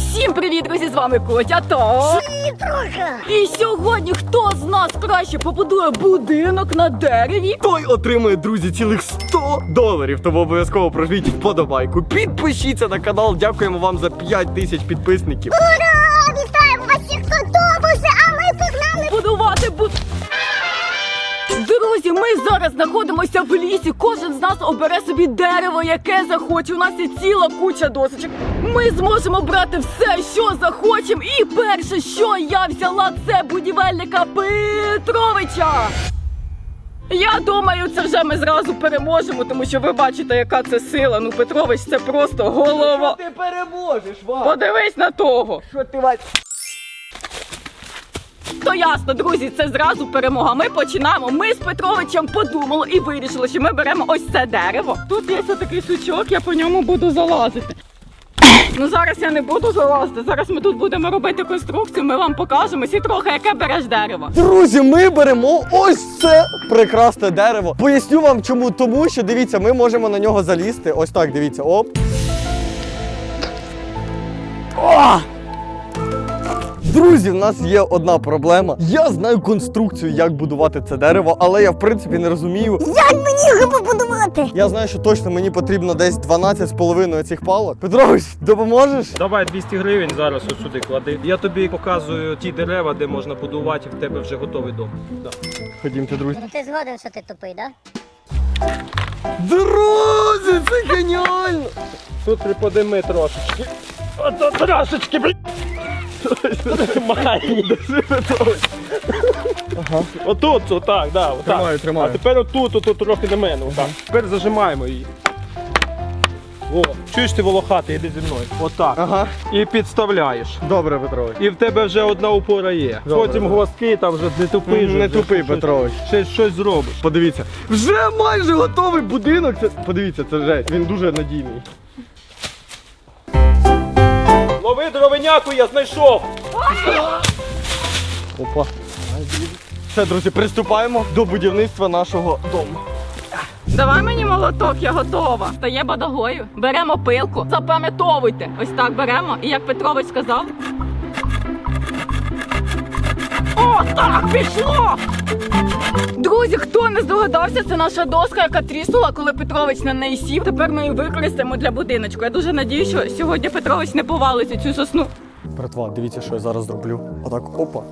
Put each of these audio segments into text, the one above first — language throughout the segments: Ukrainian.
Всім привіт, друзі, з вами Котя та... І сьогодні хто з нас краще побудує будинок на дереві? Той отримує, друзі, цілих $100. Тому обов'язково прожміть вподобайку. Підпишіться на канал, дякуємо вам за 5000 підписників. Ура! Вітаємо вас всіх автобуси, а ми погнали! Будувати Друзі, ми зараз знаходимося в лісі. Кожен з нас обере собі дерево, яке захоче. У нас є ціла куча досочок. Ми зможемо брати все, що захочемо. І перше, що я взяла, це будівельника Петровича. Я думаю, це вже ми зразу переможемо, тому що ви бачите, яка це сила. Ну, Петрович, це просто голова. Ти переможеш, Вась! Подивись на того. Що ти, Вась? То ясно, друзі, це зразу перемога. Ми починаємо. Ми з Петровичем подумали і вирішили, що ми беремо ось це дерево. Тут є такий сучок, я по ньому буду залазити. Ну зараз я не буду залазити, зараз ми тут будемо робити конструкцію, ми вам покажемо всі трохи, яке береш дерево. Друзі, ми беремо ось це прекрасне дерево. Поясню вам чому. Тому що, дивіться, ми можемо на нього залізти. Ось так, дивіться, оп. О! Друзі, в нас є одна проблема. Я знаю конструкцію, як будувати це дерево, але я, в принципі, не розумію. Як мені його побудувати? Я знаю, що точно мені потрібно десь 12,5 цих палок. Петрович, допоможеш? Давай 200 гривень зараз от сюди клади. Я тобі показую ті дерева, де можна будувати, в тебе вже готовий дом. Да. Ходімте, друзі. Ну ти згоден, що ти тупий, да? Друзі, це геніально! Тут приподими трошечки. Ото трошечки, блін. Тримай. Ага. Отут, отак, да, отак. Тримаю, тримаю. А тепер отут трохи на мене, отак. Тепер зажимаємо її. О, чуєш ти волохатий, іди зі мною. Отак. Ага. І підставляєш. Добре, Петрович. І в тебе вже одна опора є. Добре, Потім добре. гвоздки, там вже не тупий. Не вже тупий, щось- Петрович. Ще щось зробиш. Подивіться, вже майже готовий будинок. Подивіться, це жесть. Він дуже надійний. Лови дровиняку, я знайшов. Опа. Все, друзі, приступаємо до будівництва нашого дому. Давай мені молоток, я готова. Стає бадагою. Беремо пилку, запам'ятовуйте. Ось так беремо, і як Петрович сказав. О, так, пішло! Друзі, хто не здогадався, це наша доска, яка тріснула, коли Петрович на неї сів. Тепер ми її використаємо для будиночку. Я дуже надію, що сьогодні Петрович не повалить у цю сосну. Братва, дивіться, що я зараз зроблю. Отак, опа.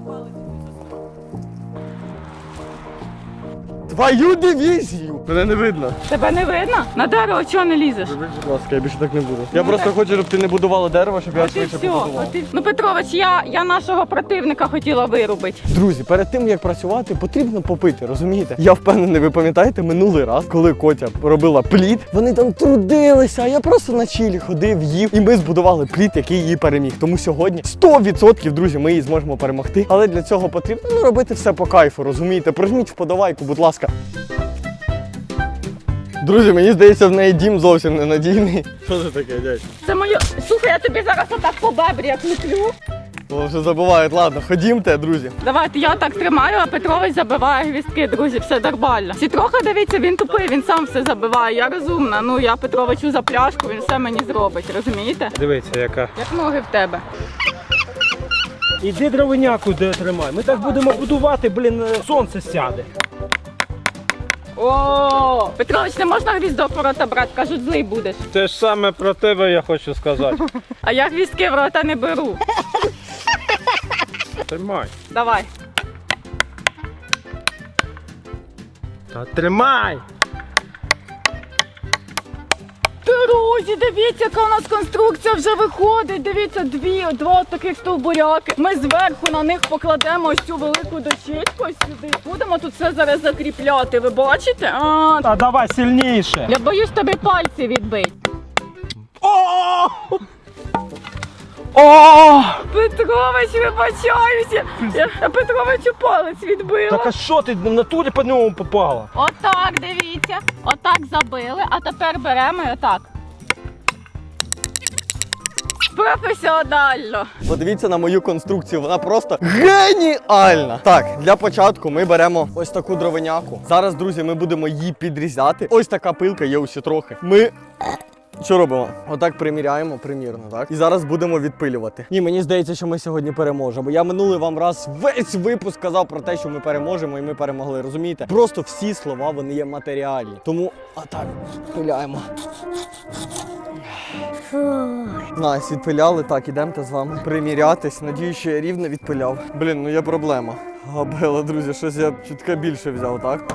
Твою дивізію! Мене не видно. Тебе не видно? На дерево чого не лізеш? Будь ласка, я більше так не буду. Я просто хочу, щоб ти не будувала дерево, щоб я От і швидше все. побудував. Ну, Петрович, я нашого противника хотіла вирубити. Друзі, перед тим як працювати, потрібно попити, розумієте? Я впевнений, ви пам'ятаєте минулий раз, коли Котя робила плід, вони там трудилися, а я просто на чилі ходив, їв, і ми збудували плід, який її переміг. Тому сьогодні 100%, друзі, ми її зможемо перемогти. Але для цього потрібно робити все по кайфу, розумієте? Прожміть вподобайку, будь ласка. Друзі, мені здається, в неї дім зовсім ненадійний. Що це таке, дядь? Це моє. Слухай, я тобі зараз отак по бебрі як луплю. О, вже забувають. Ладно, ходімте, друзі. Давайте я так тримаю, а Петрович забиває гвіздки, друзі, все нормально. Всі трохи дивіться, він тупий, він сам все забиває. Я розумна. Ну я Петровичу за пляшку, він все мені зробить, розумієте? Дивіться, яка. Як ноги в тебе. Іди дровиняку де тримай. Ми так будемо будувати, блін, сонце сяде. О, Петрович, не можна гвіздок в рота брати, кажуть, злий будеш. Те ж саме про тебе я хочу сказати. А я гвіздки в рота не беру. Тримай. Давай. Та тримай! Друзі, дивіться, яка у нас конструкція вже виходить. Дивіться, два таких стовбуряки. Ми зверху на них покладемо ось цю велику дощечку ось сюди. Будемо тут все зараз закріпляти. Ви бачите? Та давай сильніше. Я боюсь тобі пальці відбити. О! О! Петрович, вибачаюся. Я Петровичу палець відбила. Так а що ти в натурі по ньому попала? Отак, дивіться. Отак забили, а тепер беремо і отак. Професіонально. Подивіться на мою конструкцію, вона просто геніальна. Так, для початку ми беремо ось таку дровиняку. Зараз, друзі, ми будемо її підрізати. Ось така пилка є усі трохи. Ми Що робимо? Отак приміряємо, примірно, так? І зараз будемо відпилювати. Ні, мені здається, що ми сьогодні переможемо. Я минулий вам раз весь випуск сказав про те, що ми переможемо, і ми перемогли, розумієте? Просто всі слова, вони є матеріальні. Тому отак, пиляємо. Найс, відпиляли, так, ідемте з вами примірятись. Надію, що я рівно відпиляв. Блін, ну є проблема. Габела, друзі, щось я чутка більше взяв, так?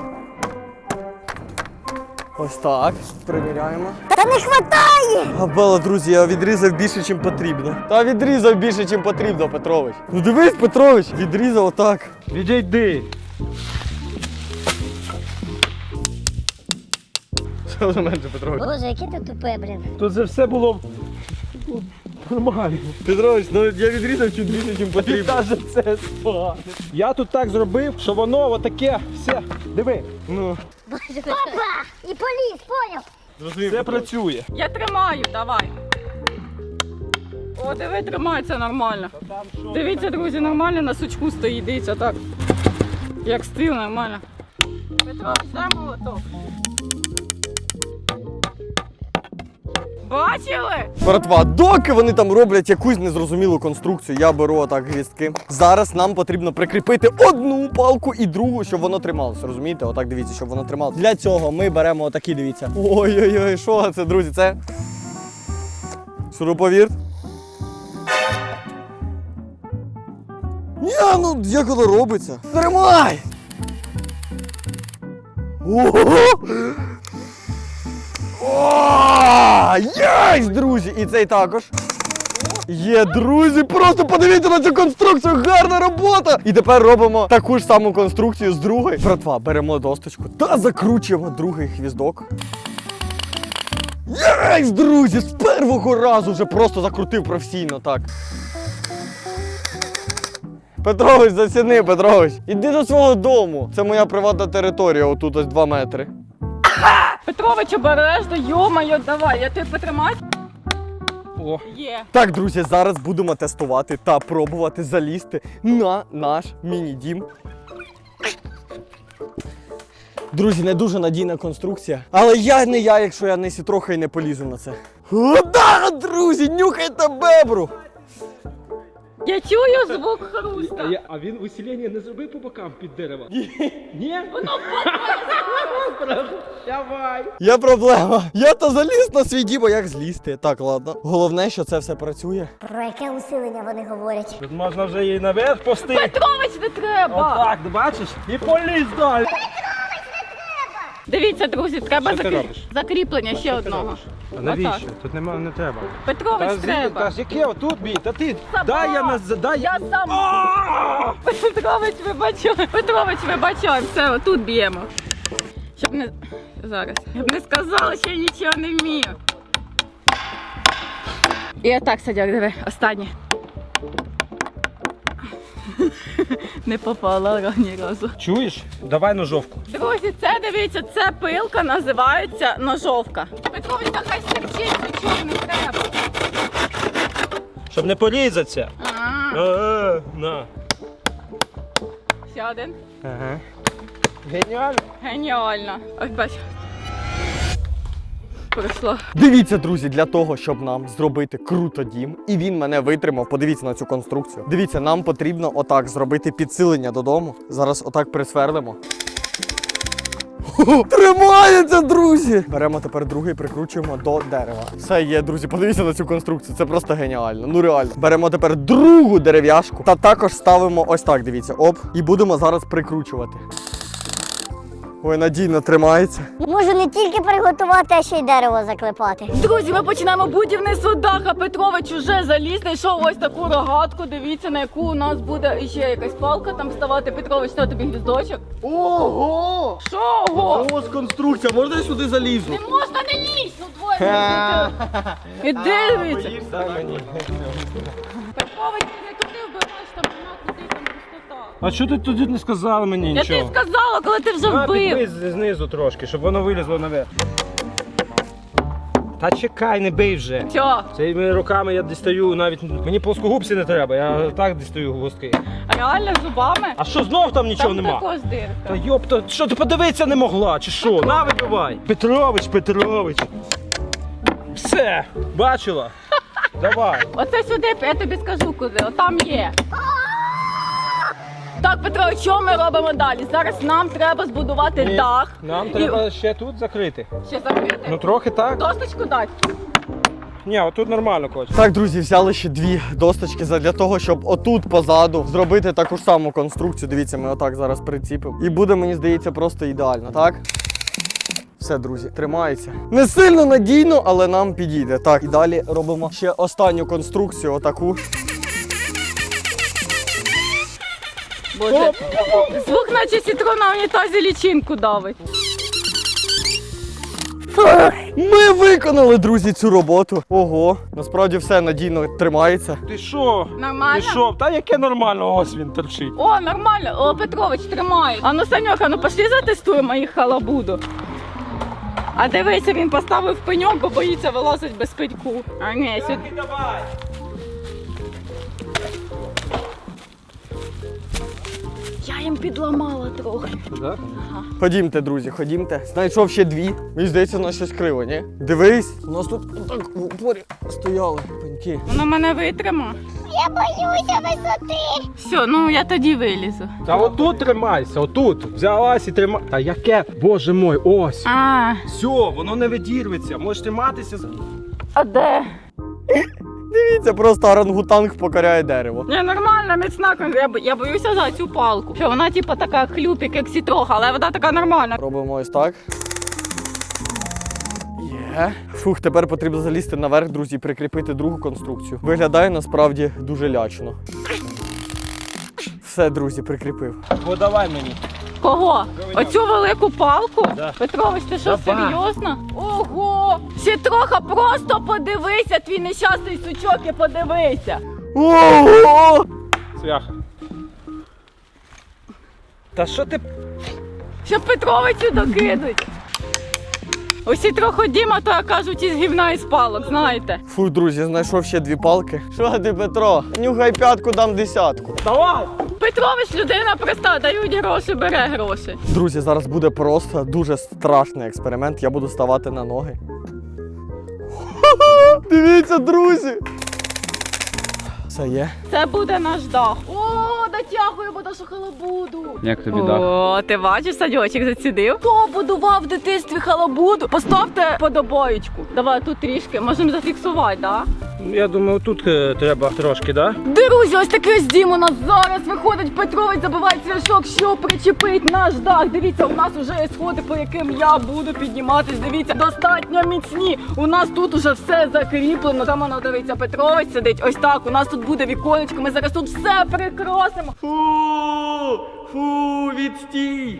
Ось так, приміряємо. Та не хватає! Габела, друзі, я відрізав більше, ніж потрібно. Та відрізав більше, ніж потрібно, Петрович. Ну дивись, Петрович, відрізав отак. Відійди. Що за менше, Петрович? Боже, яке ти тупе, блін. Тут це все було нормально. Петрович, ну я відрізав чуть більше, ніж потрібно. Навіть це спогано. Я тут так зробив, що воно отаке все. Диви. Ну, Боже, опа! І поліз, поняв? зрозумів, Це Петрович. працює. Я тримаю, давай. О, диви, тримається нормально. Дивіться, друзі, нормально на сучку стоїть, дивіться, так. Як стил, нормально. Петро, дай молоток. Бачили? Братва, доки вони там роблять якусь незрозумілу конструкцію, я беру отак гвіздки. Зараз нам потрібно прикріпити одну палку і другу, щоб воно трималося. Розумієте? Отак дивіться, щоб воно трималося. Для цього ми беремо отакі, дивіться. Ой-ой-ой, що це, друзі? Це шуруповерт. Ні, ну як воно робиться? Тримай! Ого! О, єсть, друзі! І цей також. Є, друзі, просто подивіться на цю конструкцію, гарна робота! І тепер робимо таку ж саму конструкцію з другої. Братва, беремо досточку та закручуємо другий хвіздок. Єсть, друзі, з першого разу вже просто закрутив професійно, так. Петрович, заціни, Петрович. Іди до свого дому. Це моя приватна територія, отут ось 2 метри. Петрович, обережно, йо-моє, давай, я тебе потримаю. О. Є. Так, друзі, зараз будемо тестувати та пробувати залізти на наш міні-дім. Друзі, не дуже надійна конструкція. Але я, якщо я не трохи і не полізу на це. О, да, друзі, нюхайте бебру! Я чую звук хруста. А він усилення не зробив по бокам під деревом? Ні? Давай. Є проблема. Я то заліз на свій дім, а як злізти? Так, ладно. Головне, що це все працює. Про яке усилення вони говорять? Тут можна вже її наверх пустити. Петрович, не треба. Отак, ти бачиш? І поліз далі. Дивіться, друзі, треба Що ти робиш? закріплення ще одного. А навіщо? Отак. Тут не треба. Петрович, треба. Та ж яке отут бій? Та ти Сама. дай я не дай Я сам. Петрович, вибачай. Петрович, вибачай. Все, отут б'ємо. Щоб не... Зараз. Щоб не сказала, що я нічого не вмію. І отак, Садяк, диви, останнє. Не попала ні разу. Чуєш? Давай ножовку. Друзі, це, дивіться, це пилка називається ножовка. Петрович, та хай стерчить, нічого не треба. Щоб не порізатися. На. Ще один. Ага. Геніально. Геніально. Ось бач. Пройшло. Дивіться, друзі, для того, щоб нам зробити круто дім, і він мене витримав, подивіться на цю конструкцію. Дивіться, нам потрібно отак зробити підсилення додому. Зараз отак присверлимо. Тримається, друзі! Беремо тепер другий, прикручуємо до дерева. Все є, друзі, подивіться на цю конструкцію, це просто геніально, ну реально. Беремо тепер другу дерев'яшку та також ставимо ось так, дивіться, оп, і будемо зараз прикручувати. Ой, надійно тримається. Можу не тільки приготувати, а ще й дерево заклепати. Друзі, ми починаємо будівництво даха. Петрович уже заліз, знайшов ось таку рогатку. Дивіться, на яку у нас буде ще якась палка там ставати. Петрович, що тобі гвіздочок? Ого! Що? Ого? Ось конструкція, можна я сюди залізу? Не можна, не лізь! Ну двоє. Іди, дивіться. Петрович, не туди вбиваєш, там туди, там пустота. А що ти тоді не сказала мені Я нічого? тобі сказала, коли ти вже вбив. Підбий знизу трошки, щоб воно вилізло наверх. Та чекай, не бий вже. Що? Цими руками я дістаю навіть. Мені плоскогубці не треба, я так дістаю гвоздки. Реально зубами? А що знов там нічого Там нема? також дирка. Та йопта, що ти подивитися не могла, чи що? На вибивай! Петрович! Все, бачила? Давай. Оце сюди, я тобі скажу куди, отам є. Так, Петро, що ми робимо далі? Зараз нам треба збудувати Ні, дах. Нам треба ще тут закрити. Ще закрити? Ну трохи так. Досточку дати? Ні, отут нормально, Кость. Так, друзі, взяли ще 2 досточки для того, щоб отут позаду зробити таку ж саму конструкцію. Дивіться, ми отак зараз приціпимо. І буде, мені здається, просто ідеально, так? Все, друзі, тримається. Не сильно надійно, але нам підійде. Так, і далі робимо ще останню конструкцію, отаку. Боже, звук наче сітро на унітазі лічинку давить. Ми виконали, друзі, цю роботу. Ого, насправді все надійно тримається. Ти що? Нормально? Ти що? Та яке нормально, ось він торчить. О, нормально. О, Петрович, тримай. А ну, Саньоха, ну пошли затестуємо їх халабуду. А дивися, він поставив пеньок, бо боїться вилазить без пеньку. А ні, сюди. Давай. Я їм підламала трохи. Да? Ходімте, друзі, ходімте. Знайшов ще 2. Мені здається, у нас щось криво, ні? Дивись, у нас тут отак в упорі стояли пеньки. Воно мене витрима. Я боюся висоти. Все, ну я тоді вилізу. Та отут тримайся, отут. Взялась і тримай. Та яке? Боже мой, ось. А, Все, воно не відірветься. Можеш триматися. а де? Дивіться, просто орангутанг покоряє дерево. Ні, нормально, міцна. Я боюся за цю палку. Що вона типу така хлюпик, як сітроха, але вона така нормальна. Робимо ось так. Є. Фух, тепер потрібно залізти наверх, друзі, і прикріпити другу конструкцію. Виглядає насправді дуже лячно. Все, друзі, прикріпив. Подавай мені. Кого? Оцю велику палку? Да. Петрович, ти що, Давай. серйозно? Ого! Сітроха, просто подивися, твій нещасний сучок, і подивися. Ого! Цвяха. Та що ти? Що Петровичу докидуть. Усі трохи Діма, то кажуть, із гівна і з палок, знаєте. Фу, друзі, знайшов ще 2 палки. Що ти, Петро? Нюхай п'ятку, дам 10. Давай! Петрович людина проста, дають гроші, бере гроші. Друзі, зараз буде просто дуже страшний експеримент. Я буду ставати на ноги. Дивіться, друзі! Все є. Це буде наш дах. О, дотягуємо до халабуду. Як тобі О, ти бачиш, садочок зацідив? Хто будував в дитинстві халабуду? Поставте подобаєчку. Давай тут трішки, можемо зафіксувати, так? Я думаю, тут треба трошки, да? Друзі, ось такий ось дім у нас зараз виходить. Петрович забиває цвяшок, що причепить наш дах. Дивіться, у нас вже є сходи, по яким я буду підніматись. Дивіться, достатньо міцні. У нас тут уже все закріплено. Там воно, дивіться, Петрович сидить. Ось так, у нас тут буде віконечко. Ми зараз тут все прикрасимо. Фу, відстій!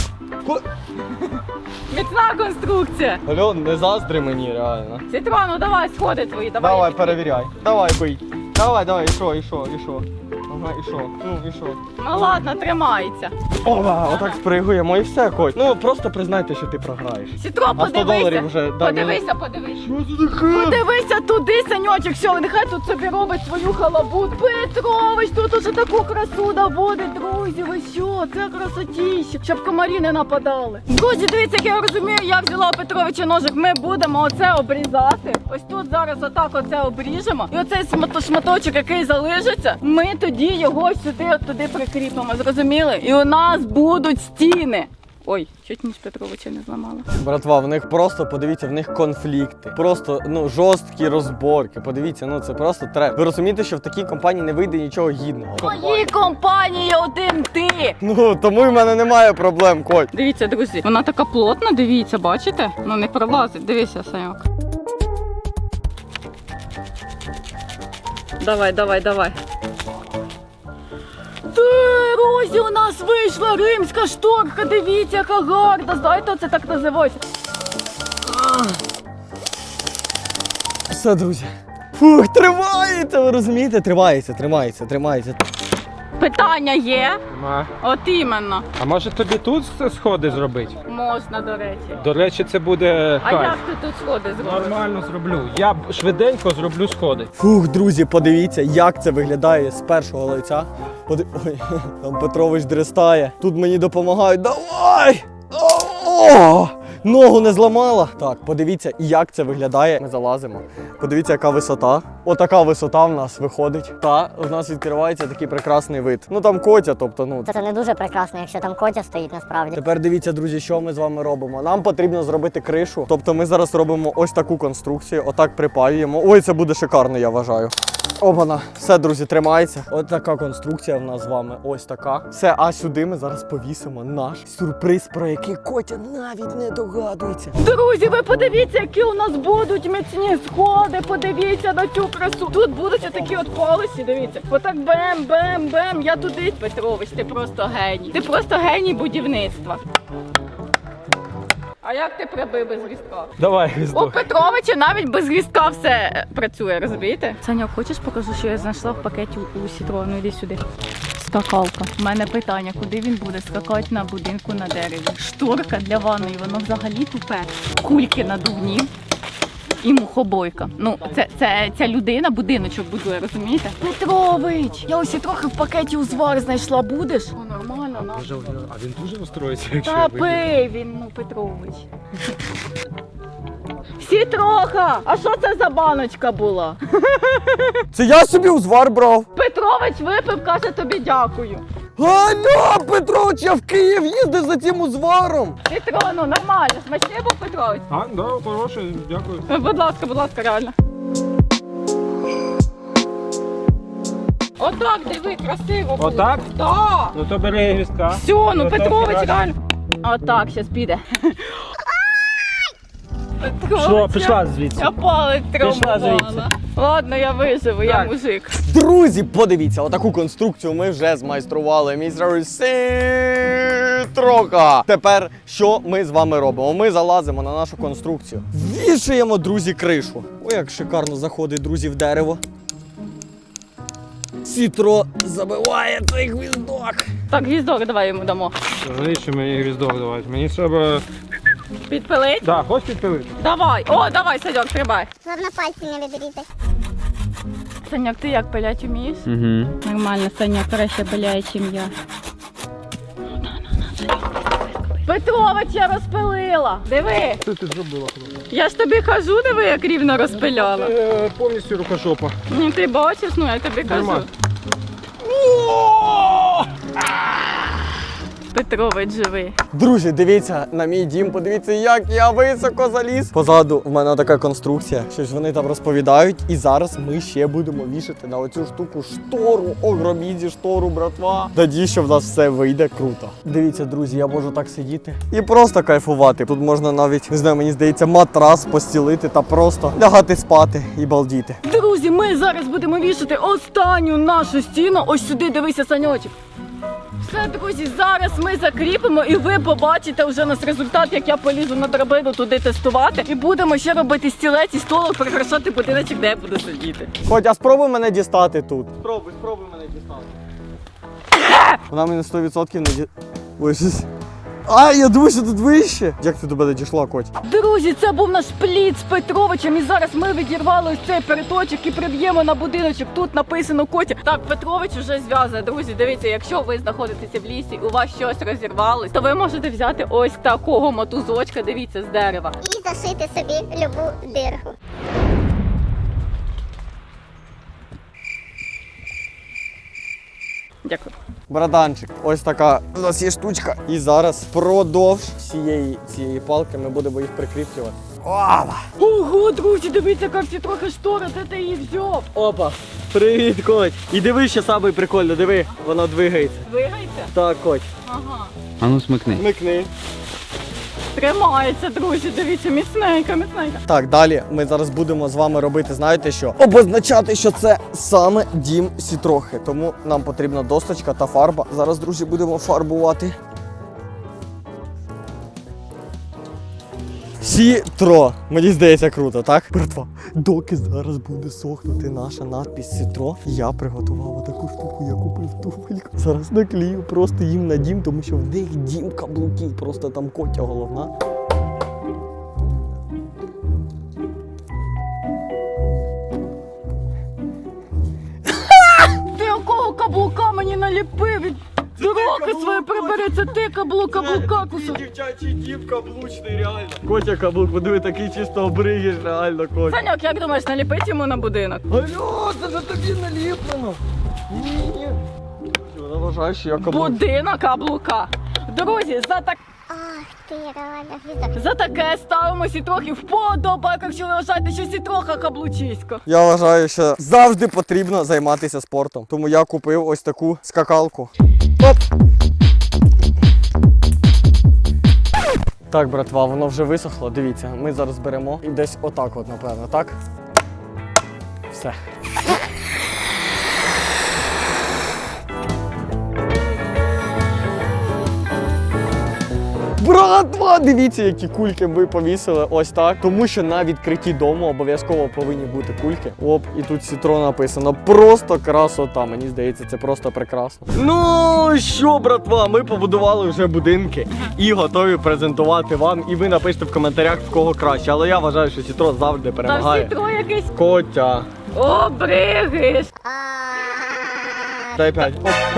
Міцна конструкція. Альон, не заздри мені, реально. Сітрону, давай сходи твої, давай. Давай, я перевіряй. Давай, бий. Давай, і що? Ага, і що? Ну, і що? Ну ладно, тримається. Ова, отак спригуємо і все, Коть. Ну, просто признайте, що ти програєш. Сітро, А 100 доларів вже, да, подивися. Подивися туди, Саньочок, все, нехай тут собі робить свою халабуду. Петрович, тут уже таку красу наводить, друзі, ви що? Це красотіще, щоб комарі не нападали. Друзі, дивіться, як я розумію, я взяла у Петровича ножик, ми будемо оце обрізати. Ось тут зараз отак оце обріжемо. І оцей шматочок, який залишиться, ми тоді його сюди, от туди прикріпимо, зрозуміли? І у нас будуть стіни. Ой, чуть ніж Петровича не зламала. Братва, в них просто, подивіться, в них конфлікти. Просто, жорсткі розборки. Подивіться, це просто треба. Ви розумієте, що в такій компанії не вийде нічого гідного. В моїй компанії один ти. Тому в мене немає проблем, Коть. Дивіться, друзі, вона така плотна, дивіться, бачите? Ну не пролазить, дивися, Саньок. Давай. Друзі, у нас вийшла римська шторка, дивіться, яка гарна. Знаєте, це так називається. Все, друзі. Фух, тримається, ви розумієте? Тримається. Питання є? Нема. От іменно. А може тобі тут сходи зробити? Можна, до речі. До речі, це буде А кайф. як ти тут сходи зробиш? Нормально зроблю. Я швиденько зроблю сходи. Фух, друзі, подивіться, як це виглядає з першого лиця. Ой, там Петрович дрестає. Тут мені допомагають. Давай! О! ногу не зламала. Так, подивіться, як це виглядає. Ми залазимо. Подивіться, яка висота. Отака висота в нас виходить. Та у нас відкривається такий прекрасний вид. Ну там котя, тобто, ну. Це не дуже прекрасно, якщо там котя стоїть насправді. Тепер дивіться, друзі, що ми з вами робимо. Нам потрібно зробити кришу. Тобто ми зараз робимо ось таку конструкцію, отак припаюємо. Ой, це буде шикарно, я вважаю. Обана, все, друзі, тримається. Ось така конструкція в нас з вами. Ось така. Все, а сюди ми зараз повісимо наш сюрприз, про який Котя навіть не догадується. Друзі, ви подивіться, які у нас будуть міцні сходи. Подивіться на цю красу. Тут будуть отакі от полосі, дивіться. Отак бем-бем-бем. Я туди, Петрович, ти просто геній. Ти просто геній будівництва. А як ти прибив без різка? Давай, У гвіздок. Петровича навіть без різка все працює, розумієте? Саня, хочеш покажу, що я знайшла в пакеті у Сітро? Ну йди сюди. Скакалка. У мене питання, куди він буде скакати на будинку на дереві? Шторка для ванної, воно взагалі тупе. Кульки надувні і мухобойка. Ну, ця людина будиночок будує, розумієте? Петрович, я ось і трохи в пакеті узвар знайшла. Будеш? О, нормально, на. А він дуже розстроїться, якщо Та пий він, ну, Петрович. Всі троха! А що це за баночка була? Це я собі узвар брав. Петрович випив, каже тобі дякую. Алло, Петрович, я в Київ їздив за цим узваром. Петро, ну нормально, смачний був Петрович? А, да, хороше, дякую. Будь ласка, реально. Отак, диви, красиво було. Отак? Так. Ну то бери гвіздка. Все, ну Отак Петрович краще. реально. Отак, зараз піде. Що, пішла звідси. Я палець Пішла звідси. травмувала. Ладно, я виживу, я Так. мужик. Друзі, подивіться, отаку конструкцію ми вже змайстрували. Містер Сітрока. Тепер що ми з вами робимо? Ми залазимо на нашу конструкцію. Вішаємо, друзі, кришу. Ой, як шикарно заходить, друзі, в дерево. Сітро забиває цей гвіздок. Так, гвіздок давай йому дамо. Навіщо мені гвіздок давати? Мені треба... Підпилить? Да, хочеш підпилити? Давай. О, давай, Саньок, стрибай. Головне пальці не відрізати. Саньок, ти як пилять вмієш? Угу. Нормально, Саня краще пиляє, чим я. Петрович, я розпилила. Диви. Що ти зробила, хлопець? Я ж тобі кажу, диви, як рівно розпиляла. Повністю рукожопа. Ну, ти бачиш, ну я тобі кажу. Нормально. Петрович живий. Друзі, дивіться на мій дім, подивіться, як я високо заліз. Позаду в мене така конструкція, щось вони там розповідають. І зараз ми ще будемо вішати на оцю штуку штору. Огромізі штору, братва. Надію, що в нас все вийде круто. Дивіться, друзі, я можу так сидіти і просто кайфувати. Тут можна навіть, не знаю, мені здається, матрас постілити та просто лягати спати і балдіти. Друзі, ми зараз будемо вішати останню нашу стіну. Ось сюди, дивися, Саньочок. Все, друзі, зараз ми закріпимо і ви побачите вже нас результат, як я полізу на драбину туди тестувати. І будемо ще робити стілець і столик, прикрашати будиночок, де я буду сидіти. Хотя спробуй мене дістати тут. Спробуй мене дістати. Вона мене 100% не ді... Ой, щось... А, я думаю, що тут вище. Як ти до мене дійшла, Коть? Друзі, це був наш плід з Петровичем. І зараз ми відірвали ось цей переточок і приб'ємо на будиночок. Тут написано Котя. Так, Петрович вже зв'язує. Друзі, дивіться, якщо ви знаходитеся в лісі, у вас щось розірвалось, то ви можете взяти ось такого мотузочка, дивіться, з дерева. І зашити собі любу дирку. Дякую. Братанчик, ось така у нас є штучка. І зараз впродовж всієї цієї палки ми будемо їх прикріплювати. Опа! Ого, друзі, дивіться, як всі трохи штори, де ти її взяв? Опа! Привіт, Коть! І диви, що саме прикольно, диви, воно двигається. Двигається? Так, Коть. Ага. А ну смикни. Микни. Тримається, друзі, дивіться, міцненька. Так, далі ми зараз будемо з вами робити, знаєте що? Обозначати, що це саме дім Сітрохи. Тому нам потрібна досточка та фарба. Зараз, друзі, будемо фарбувати. Сітро. Мені здається круто, так? Братва, доки зараз буде сохнути наша надпись Сітро, я приготував таку штуку, я купив туфельку. Зараз наклею просто їм на дім, тому що в них дім каблуків, просто там Котя головна. Ти якого каблука мені наліпив? Ти руки свої прибери, це ти каблука кусок. Дівчачий дів каблучний, реально. Котя каблук, подиви, такий чисто обригіш, реально, Котя. Саньок, як думаєш, наліпить йому на будинок? Алло, це ж тобі наліплено. Ні. Вона вважає, що я каблук. Будинок каблука. Друзі, Ах ти, реально, за таке ставимося і трохи вподобайок, якщо ви вважаєте, що сітроха каблучисько. Я вважаю, що завжди потрібно займатися спортом. Тому я купив ось таку скакалку. Оп! Так, братва, воно вже висохло. Дивіться, ми зараз беремо і десь отак от, напевно, так? Все. Братва, дивіться, які кульки ми повісили ось так. Тому що на відкритті дому обов'язково повинні бути кульки. Оп, і тут Сітро написано. Просто красота. Мені здається, це просто прекрасно. Ну що, братва, ми побудували вже будинки і готові презентувати вам. І ви напишете в коментарях, в кого краще. Але я вважаю, що Сітро завжди Та перемагає. сітро якийсь Котя. обригиш. Дай 5.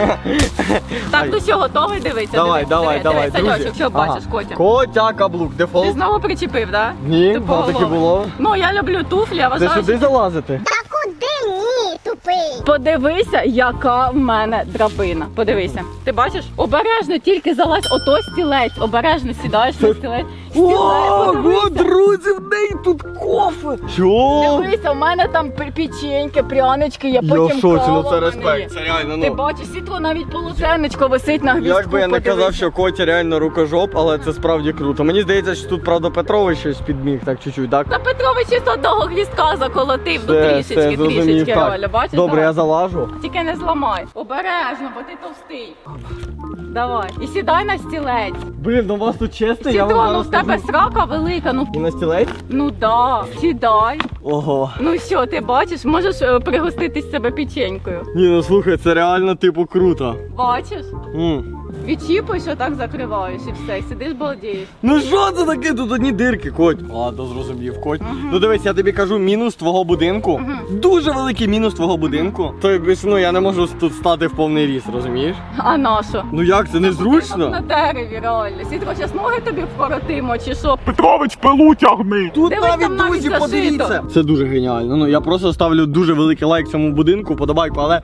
Так, ну що, готовий дивитися? Давай, давай, давай, друзі. Саньочок, що бачиш, Котя? Котя, каблук, Ти дефолт. знову причепив, так? Ні, воно таки було. Ну, я люблю туфлі, я Це вважаю, сюди залазити? Та куди ні, тупий? Подивися, яка в мене драбина. Подивися. Ти бачиш? Обережно тільки залазь, ото стілець. Обережно сідаєш на стілець. Ого, друзі, в неї тут кофе. Що? Дивися, в мене там печеньки, прянички, є, Я потім в шоці, кава ну в це мене респект, є. це реально, Ти ну. бачиш, світло навіть полотенечко висить на гвіздку. Як би я не подивися. казав, що Котя реально рукожоп, але це справді круто. Мені здається, що тут, правда, Петрович щось підміг, так чуть-чуть, так? Та Петрович із одного гвіздка заколотив, ну Все, трішечки, зрозумів, трішечки, так. Оля, бачиш? Добре, Давай. я залажу. Тільки не зламай. Обережно, бо ти товстий. Давай. І сідай на стілець. Блін, ну у вас тут чесно, я Сідро, вам ну зараз в тебе скажу. срака велика, ну. І на стілець? Ну да, сідай. Ого. Ну що, ти бачиш, можеш пригоститись себе печенькою. Ні, ну слухай, це реально типу круто. Бачиш? М. Відчіпуєш, отак закриваєш і все, і сидиш балдієш. Ну що це таке? Тут одні дирки, Коть. Ладно, зрозумів, Коть. Ну дивись, я тобі кажу, мінус твого будинку. Дуже великий мінус твого будинку. Тобто, ну я не можу тут стати в повний ріст, розумієш? А на що? Ну як, це Ти на незручно? дереві, реально. Сітро, зараз ноги тобі вкоротимо, чи що? Петрович, пилу тягни! Тут Дивись, там навіть зашито. Це дуже геніально. Ну я просто ставлю дуже великий лайк цьому будинку, подобайку, але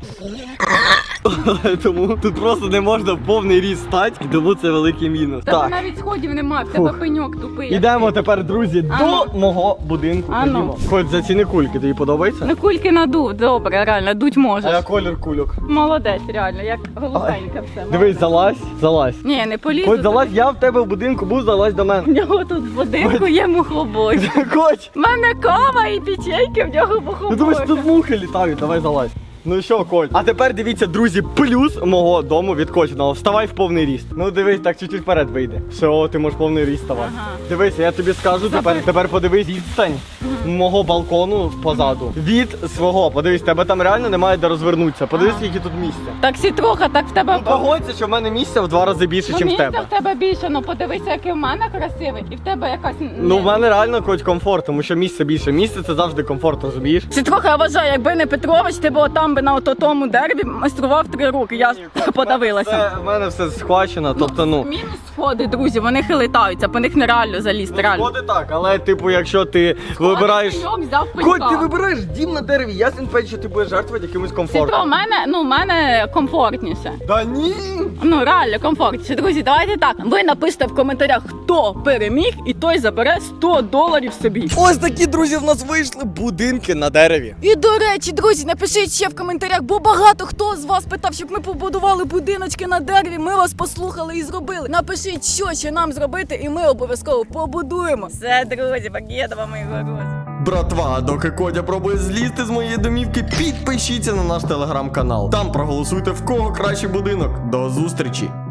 тому тут просто не можна в повний ріст стати, і тому це великий мінус. В тебе Так. навіть сходів немає, в тебе Фух. пеньок тупий. Ідемо тепер, друзі, Ану. до мого будинку. Ану. Ходімо. Хоч заціни кульки, тобі подобається? Ну кульки надув, добре, реально, дуть А можеш. я колір кульок. Молодець, реально, як голубенька все. Дивись, залазь, залазь. Ні, не полізу. Хоч залазь, я в тебе в будинку був, залазь до В мене. нього тут в будинку є мухобой. Коч, В мене кава і печеньки, в нього ну мухобой. думаєш, тут мухи літають, давай залазь. Ну що, Коль? А тепер дивіться, друзі, плюс мого дому від Котіного. Вставай в повний ріст. Ну дивись, так чуть-чуть вперед вийде. Все, о, ти можеш повний ріст ставати. Ага. Дивися, я тобі скажу тепер подивись відстань мого балкону позаду. Від свого. Подивись, тебе там реально немає де розвернутися. Подивись, скільки тут місця. Так сітроха, так в тебе... Ну погодься, що в мене місця в 2 рази більше, Ну, ніж в місця тебе. в тебе більше, ну подивися, який в мене красивий, і в тебе якась... Ну в мене реально хоч комфорт, тому що місце більше. Місце це завжди комфорт, розумієш? Сітроха, я вважаю, якби не Петрович, ти б отам би на тому дереві майстрував 3 роки. Я подавилася. В мене все схвачено, тобто ну. Мінус сходи, друзі, вони хилитаються, по них нереально залізти, реально. Сходи так, але типу, якщо ти вибираєш. Пеньок взяв Коть, пенька. ти вибираєш дім на дереві, ясен пень, що ти будеш жертвувати якимось Сітро, комфортом. в мене комфортніше. Да ні! Ну, реально комфортніше. Друзі, давайте так. Ви напишете в коментарях, хто переміг, і той забере $100 собі. Ось такі, друзі, в нас вийшли будинки на дереві. І до речі, друзі, напишіть ще в коментарях, бо багато хто з вас питав, щоб ми побудували будиночки на дереві. Ми вас послухали і зробили. Напишіть, що ще нам зробити, і ми обов'язково побудуємо. Все, друзі, Багєдова, мої горози. Братва, доки Кодя пробує злізти з моєї домівки, підпишіться на наш телеграм-канал. Там проголосуйте, в кого кращий будинок. До зустрічі!